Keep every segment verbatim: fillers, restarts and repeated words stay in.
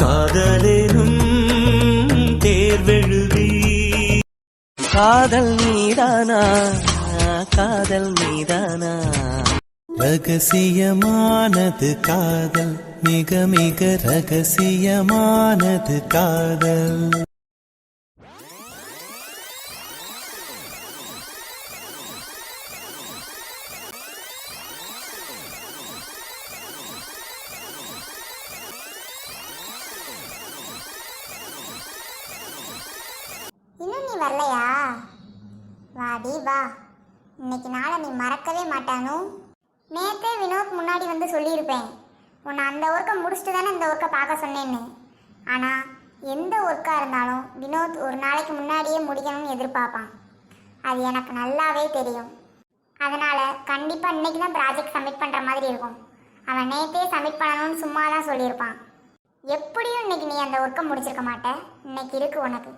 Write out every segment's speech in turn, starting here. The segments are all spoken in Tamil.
காதலேனும் தேர்வெழுதி காதல் மீதானா காதல் மீதானா ரகசியமானது காதல் மிக மிக ரகசியமானது காதல். இன்னும் நீ வரலையா? வாடி வா, இன்னைக்கு நாளை நீ மறக்கவே மாட்டானோ. நேற்றே வினோத் முன்னாடி வந்து சொல்லியிருப்பேன், உன்னை அந்த ஒர்க்கை முடிச்சுட்டு தானே இந்த ஒர்க்கை பார்க்க சொன்னேன்னு. ஆனால் எந்த ஒர்க்காக இருந்தாலும் வினோத் ஒரு நாளைக்கு முன்னாடியே முடிக்கணும்னு எதிர்பார்ப்பான். அது எனக்கு நல்லாவே தெரியும். அதனால் கண்டிப்பாக இன்றைக்கி தான் ப்ராஜெக்ட் சப்மிட் பண்ணுற மாதிரி இருக்கும். அவன் நேற்றே சப்மிட் பண்ணணும்னு சும்மா தான் சொல்லியிருப்பான். எப்படியும் இன்னைக்கு நீ அந்த ஒர்க்கை முடிச்சிருக்க மாட்டே. இன்னைக்கு இருக்கு உனக்கு.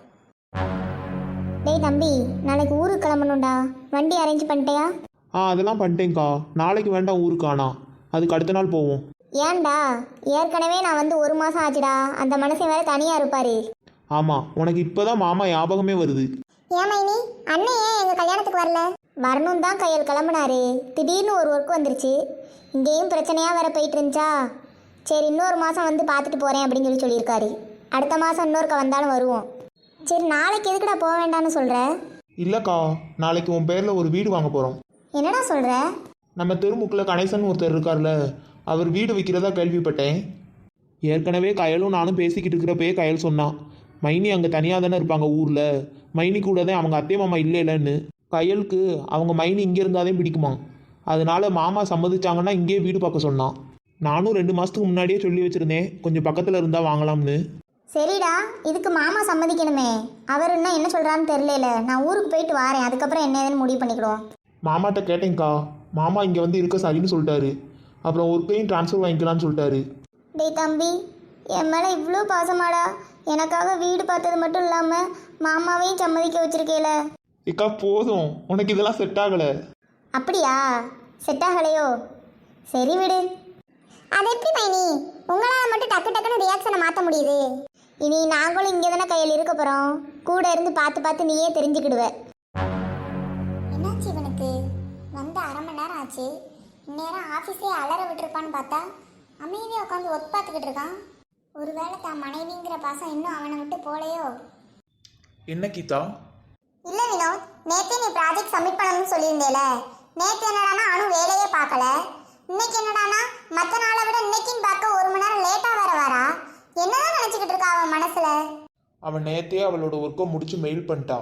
டேய் தம்பி, நாளைக்கு ஊருக்கு கிளம்பணும்டா. வண்டி அரேஞ்ச் பண்ணிட்டியா? ஆ அதெல்லாம் பண்ணிட்டேங்க்கா. நாளைக்கு வேண்டாம் ஊருக்கு, ஆனா அதுக்கு அடுத்த நாள் போவோம். ஏன்டா? ஏற்கனவே நான் வந்து ஒரு மாதம் ஆச்சுடா. அந்த மனுஷன் வேற தனியாக இருப்பாரு. ஆமாம், உனக்கு இப்போதான் மாமா ஞாபகமே வருது. ஏமா நீ அண்ணன் ஏன் எங்கள் கல்யாணத்துக்கு வரல? வரணும் தான் கையில் கிளம்புனாரு. திடீர்னு ஒரு ஒர்க் வந்துருச்சு. இங்கேயும் பிரச்சனையாக வேற போயிட்டு இருந்துச்சா. சரி இன்னொரு மாதம் வந்து பார்த்துட்டு போகிறேன் அப்படின்னு சொல்லி சொல்லியிருக்காரு. அடுத்த மாதம் இன்னொருக்க வந்தாலும் வருவோம். சரி நாளைக்கு எதுக்குடா போக வேண்டாம்னு சொல்கிற? இல்லைக்கா, நாளைக்கு உன் பேரில் ஒரு வீடு வாங்க போகிறோம். என்னடா சொல்கிற? நம்ம தெருமுக்கில் கணேசன் ஒருத்தர் இருக்கார்ல, அவர் வீடு விற்கிறதா கேள்விப்பட்டேன். ஏற்கனவே கயலும் நானும் பேசிக்கிட்டு இருக்கிறப்பயே கயல் சொன்னான், மைனி அங்கே தனியாக தானே இருப்பாங்க ஊரில், மைனி கூட தான் அவங்க அத்தை மாமா இல்லை இல்லைன்னு. கயலுக்கு அவங்க மைனி இங்கே இருந்தாதே பிடிக்குமா. அதனால மாமா சம்மதிச்சாங்கன்னா இங்கேயே வீடு பார்க்க சொன்னான். நானும் ரெண்டு மாதத்துக்கு முன்னாடியே சொல்லி வச்சுருந்தேன், கொஞ்சம் பக்கத்தில் இருந்தால் வாங்கலாம்னு. சரிடா, இதுக்கு மாமா சம்மதிக்கணுமே. அவர் இன்னும் என்ன சொல்கிறான்னு தெரியல. நான் ஊருக்கு போயிட்டு வரேன், அதுக்கப்புறம் என்ன ஏதுன்னு முடிவு பண்ணிக்கிடுவோம். மாமாட்ட கேட்டேங்க்கா, மாமா இங்கே வந்து இருக்க சரின்னு சொல்லிட்டாரு. அப்புறம் ஒர்க்கையும் ட்ரான்ஸ்ஃபர் வாங்கிக்கலான்னு சொல்லிட்டாரு. டேய் தம்பி, என் மேலே இவ்வளோ பாசமாடா. எனக்காக வீடு பார்த்தது மட்டும் இல்லாமல் மாமாவையும் சம்மதிக்க வச்சிருக்கேல. இக்கா போதும், உனக்கு இதெல்லாம் செட் ஆகலை. அப்படியா? செட் ஆகலையோ? சரி விடு. அது எப்படி மைனி உங்களால் மட்டும் டக்கு டக்குன்னு ரியாக்ஷனை மாற்ற முடியுது? இனி நாங்களும் இங்கே தானே கையில் இருக்க போகிறோம். கூட இருந்து பார்த்து பார்த்து நீயே தெரிஞ்சுக்கிடுவ. என்னாச்சு இவனுக்கு? வந்து அரை மணி நேரம் ஆச்சு. இந்நேரம் ஆஃபீஸே அலற விட்டுருப்பான்னு பார்த்தா அமைதியாக உட்காந்து ஒர்க் பார்த்துக்கிட்டு இருக்கான். ஒருவேளை தான் மனைவிங்கிற பாசம் இன்னும் அவனை விட்டு போலையோ? என்ன கீதா? இல்லை வினோத், நேற்றே நீ ப்ராஜெக்ட் சப்மிட் பண்ணணும்னு சொல்லியிருந்தேல. நேற்று என்னடானா அனு வேலையே பார்க்கல. இன்னைக்கு என்னடானா மற்ற நாளை விட இன்னைக்குன்னு பார்க்க ஒரு மணி நேரம் லேட்டாக வேற வரா. என்னதான் நினச்சிக்கிட்டு இருக்கா அவன் மனசுல? அவன் நேற்றே அவளோட ஒர்க்கை முடிச்சு மெயில் பண்ணிட்டா.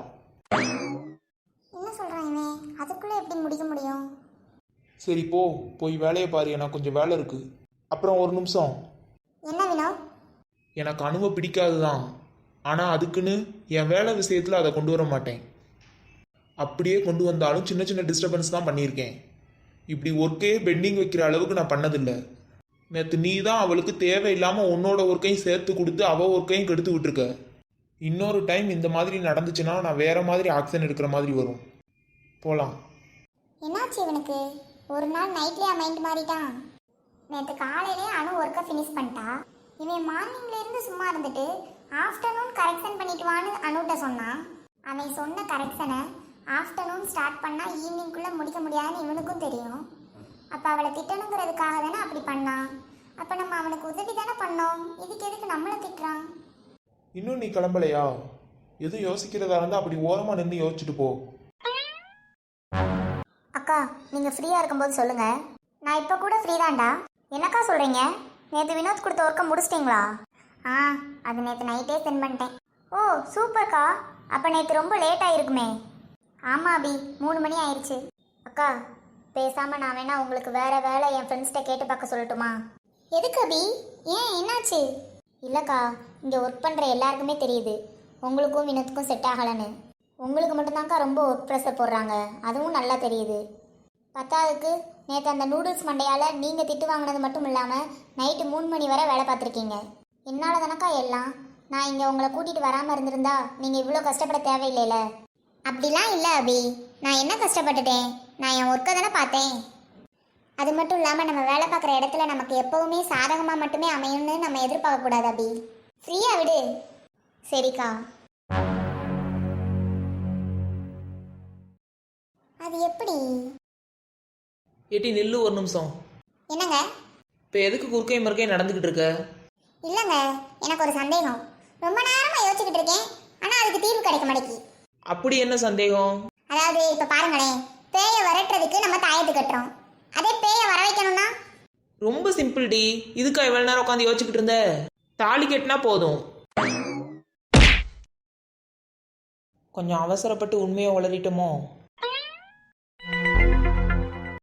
என்ன சொல்கிறான் இவன்? அதுக்குள்ளே எப்படி முடிக்க முடியும்? சரி போ, போய் வேலையை பாரு, எனக்கு கொஞ்சம் வேலை இருக்கு. அப்புறம் ஒரு நிமிஷம். என்ன வினோத்? எனக்கு அணுவை பிடிக்காது தான், ஆனால் அதுக்குன்னு என் வேலை விஷயத்தில் அதை கொண்டு வர மாட்டேன். அப்படியே கொண்டு வந்தாலும் சின்ன சின்ன டிஸ்டர்பன்ஸ் தான் பண்ணியிருக்கேன். இப்படி ஒர்க்கையே பெண்டிங் வைக்கிற அளவுக்கு நான் பண்ணதில்லை. நேற்று நீ தான் அவளுக்கு தேவையில்லாமல் உன்னோட ஒர்க்கையும் சேர்த்து கொடுத்து அவள் ஒர்க்கையும் கெடுத்து விட்டுருக்க. இன்னொரு டைம் இந்த மாதிரி நடந்துச்சுன்னா நான் வேற மாதிரி ஆக்ஷன் எடுக்கிற மாதிரி வரும். போகலாம். என்னாச்சு இவனுக்கு? ஒரு நாள் நைட்லேயே மைண்ட் மாறிட்டான். நேற்று காலையிலே அணு ஒர்க்கை ஃபினிஷ் பண்ணிட்டா. இவன் மார்னிங்லேருந்து சும்மா இருந்துட்டு ஆஃப்டர்நூன் கரெக்ஷன் பண்ணிட்டு வான்னு அணுகிட்ட சொன்னான். அவன் சொன்ன கரெக்ஷனை ஆஃப்டர்நூன் ஸ்டார்ட் பண்ணால் ஈவினிங்குள்ளே முடிக்க முடியாதுன்னு இவனுக்கும் தெரியும். அப்போ அவளை திட்டணுங்கிறதுக்காக தானே அப்படி பண்ணான். அப்போ நம்ம அவனுக்கு உதவி தானே பண்ணோம். இதுக்கு எதுக்கு நம்மளை திட்டுறான்? இன்னும் நீ கிளம்பலையா? எதுவும் யோசிக்கிறதா இருந்தால் அப்படி ஓரமாக நின்று யோசிச்சுட்டு போ. அக்கா, நீங்கள் ஃப்ரீயாக இருக்கும்போது சொல்லுங்கள். நான் இப்போ கூட ஃப்ரீ தான்டா. என்னக்கா சொல்கிறீங்க? நேற்று வினோத் கொடுத்த ஒர்க்கை முடிச்சிட்டிங்களா? ஆ, அது நேற்று நைட்டே சென்ட் பண்ணிட்டேன். ஓ சூப்பர்க்கா. அப்போ நேற்று ரொம்ப லேட் ஆகிருக்குமே. ஆமாம் அபி, மூணு மணி ஆயிடுச்சு. அக்கா பேசாமல் நான் வேணா உங்களுக்கு வேறு வேலை என் ஃப்ரெண்ட்ஸ்கிட்ட கேட்டு பார்க்க சொல்லட்டுமா? எதுக்கு அபி? ஏன் என்னாச்சு? இல்லைக்கா, இங்கே ஒர்க் பண்ணுற எல்லாருக்குமே தெரியுது உங்களுக்கும் வினோத்துக்கும் செட் ஆகலைன்னு. உங்களுக்கு மட்டும்தான்க்கா ரொம்ப ஒர்க் ப்ரெஷர் போடுறாங்க, அதுவும் நல்லா தெரியுது. பத்தாவதுக்கு நேற்று அந்த நூடுல்ஸ் மண்டையால் நீங்கள் திட்டு வாங்கினது மட்டும் இல்லாமல் நைட்டு மூணு மணி வரை வேலை பார்த்துருக்கீங்க. என்னால் தானக்கா எல்லாம். நான் இங்கே உங்களை கூட்டிகிட்டு வராமல் இருந்திருந்தா நீங்கள் இவ்வளோ கஷ்டப்பட தேவையில்லைல. அப்படிலாம் இல்லை அபி, நான் என்ன கஷ்டப்பட்டுட்டேன்? நான் என் ஒர்க்கை தானே பார்த்தேன். அது மட்டும் இல்லாமல் நம்ம வேலை பார்க்குற இடத்துல நமக்கு எப்போவுமே சாதகமாக மட்டுமே அமையும்னு நம்ம எதிர்பார்க்கக்கூடாது அபி. ஃப்ரீயா விடு. சரிக்கா. அது எப்படி? ஏட்டி நில்லு ஒரு நிமிஷம். என்னங்க? இப்போ எதுக்கு குறுக்கை மறுக்கை நடந்துக்கிட்டு இருக்க? இல்லைங்க, எனக்கு ஒரு சந்தேகம். ரொம்ப நேரமா யோசிச்சுக்கிட்டு இருக்கேன், ஆனா அதுக்கு தீர்வு கிடைக்க மாட்டேங்கி. அப்படி என்ன சந்தேகம்? அதாவது இப்ப பாருங்களேன், பேயை விரட்டுறதுக்கு நம்ம தாயத்து கட்டுறோம். அதே பேயை வர வைக்கணும்னா? ரொம்ப சிம்பிள் டி. இதுக்கா இவ்வளோ நேரம் உட்காந்து யோசிச்சுக்கிட்டு இருந்த? தாலி கட்டினா போதும். கொஞ்சம் அவசரப்பட்டு உண்மையை உளறிட்டோமோ?